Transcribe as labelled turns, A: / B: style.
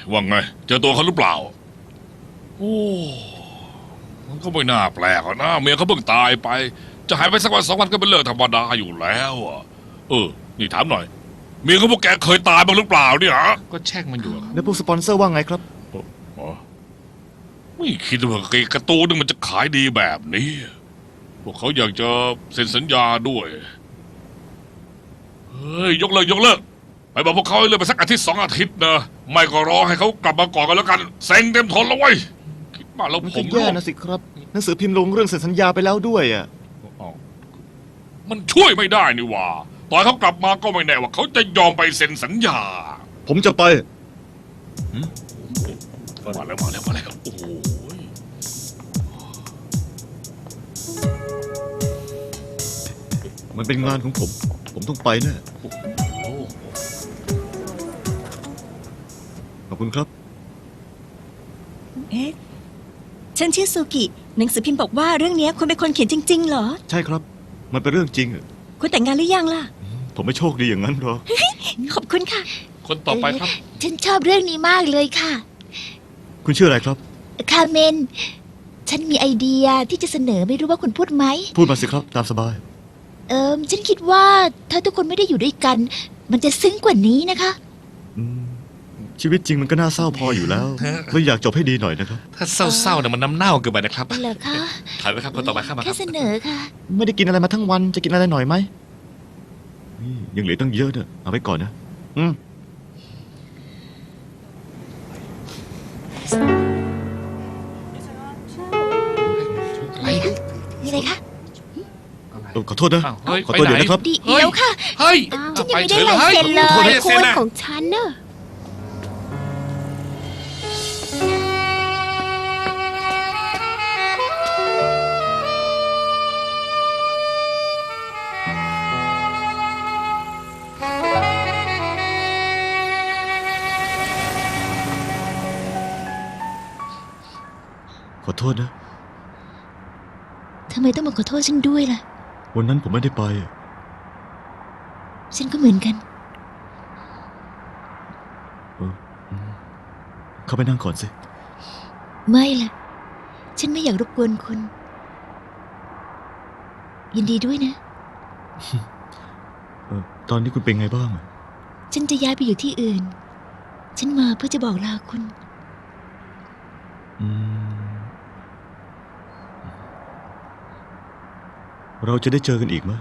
A: ว่าไงเจอตัวเขาหรือเปล่าโอ้มันก็ไม่น่าแปลกนะเมียเขาเพิ่งตายไปจะหายไปสักวัน2 วันก็เป็นเรื่องธรรมดาอยู่แล้วอะนี่ถามหน่อยเมียเขาพวกแกเคยตายบ้างหรือเปล่าเนี่ยฮะก็แช่งมันอยู่
B: แล้วพวกสปอนเซอร์ว่าไงครับ
A: ไม่คิดว่าการ์ตูนนึงมันจะขายดีแบบนี้พวกเขาอยากจะเซ็นสัญญาด้วยเฮ้ยยกเลิกไปบอกพวกเขาให้เลื่อนไปสักอาทิตย์2 อาทิตย์นะไม่ก็รอให้เขากลับมาก่อนกันแล้วกันเซ็งเต็มทนแล้วเว้ยคิดมาแล้ว
B: มัน
A: ผ
B: ก็
A: ม
B: แย่นะสิครับ หนังสือพิมพ์ลงเรื่องเซ็นสัญญาไปแล้วด้วยอ่ะ
A: มันช่วยไม่ได้นี่หว่าตอนเขากลับมาก็ไม่แน่ว่าเขาจะยอมไปเซ็นสัญญา
B: ผมจะไป
A: มาแล้วโอ้โห
B: มันเป็นงานของผม ผมต้องไปแน่ขอบคุณครับ
C: เอ๊ะฉันชื่อซูกิ หนังสือพิมพ์บอกว่าเรื่องนี้คุณเป็นคนเขียนจริงๆเหรอ
B: ใช่ครับ มันเป็นเรื่องจริงอะ
C: คุณแต่งงานหรือยังล่ะ
B: ผมไม่โชคดีอย่างนั้นหรอก
C: ขอบคุณค่ะ
A: คนต่อไปครับ
D: ฉันชอบเรื่องนี้มากเลยค่ะ
B: คุณชื่ออะไรครับ
D: คาเมน ฉันมีไอเดียที่จะเสนอไม่รู้ว่าคุณพูดไหม
B: พูดมาสิครับ ตามสบาย
D: ฉันคิดว่าถ้าทุกคนไม่ได้อยู่ด้วยกัน มันจะซึ้งกว่านี้นะคะ
B: อืมชีวิตจริงมันก็น่าเศร้าพออยู่แล้วเลยอยากจบให้ดีหน่อยนะครับ
A: ถ้าเศร้าๆเนี่ยมันน้ำเน่าเกินไปนะครับ
D: เหรอคะ
A: ถ่ายไปครับคนต่อไปครับมาค
D: แค่
A: รับ
D: เสนอค่ะ
B: ไม่ได้กินอะไรมาทั้งวัน จะกินอะไรหน่อยไหมนี่ยังเหลือตั้งเยอะเนี่ยเอาไว้ก่อนนะ
A: อะไร
D: มีอะไรคะ
B: ขอโทษนะ
A: อ้าวเฮ้ย
B: ขอตัว
A: ไปไหน
B: เดี๋ยวนะครับ
D: เดี๋ยวค่ะ
A: เฮ้ย
D: ฉันยังไม่ได้
A: ปฉ
D: ลายเซ็นเลย
A: ฮ้
D: โค้
A: ซ็
D: ด
A: อะ
D: ของฉันเนอะ
B: ขอโทษนะ
D: ทำไมต้องมาขอโทษฉันด้วยล่ะ
B: วันนั้นผมไม่ได้ไป
D: ฉันก็เหมือนกัน
B: เข้าไปนั่งก่อนสิ
D: ไม่ล่ะ ฉันไม่อยากรบกวนคุณ ยินดีด้วยนะ
B: ตอนนี้คุณเป็นไงบ้างอะ
D: ฉันจะย้ายไปอยู่ที่อื่น ฉันมาเพื่อจะบอกลาคุณ
B: อืมเราจะได้เจอกันอีกไหม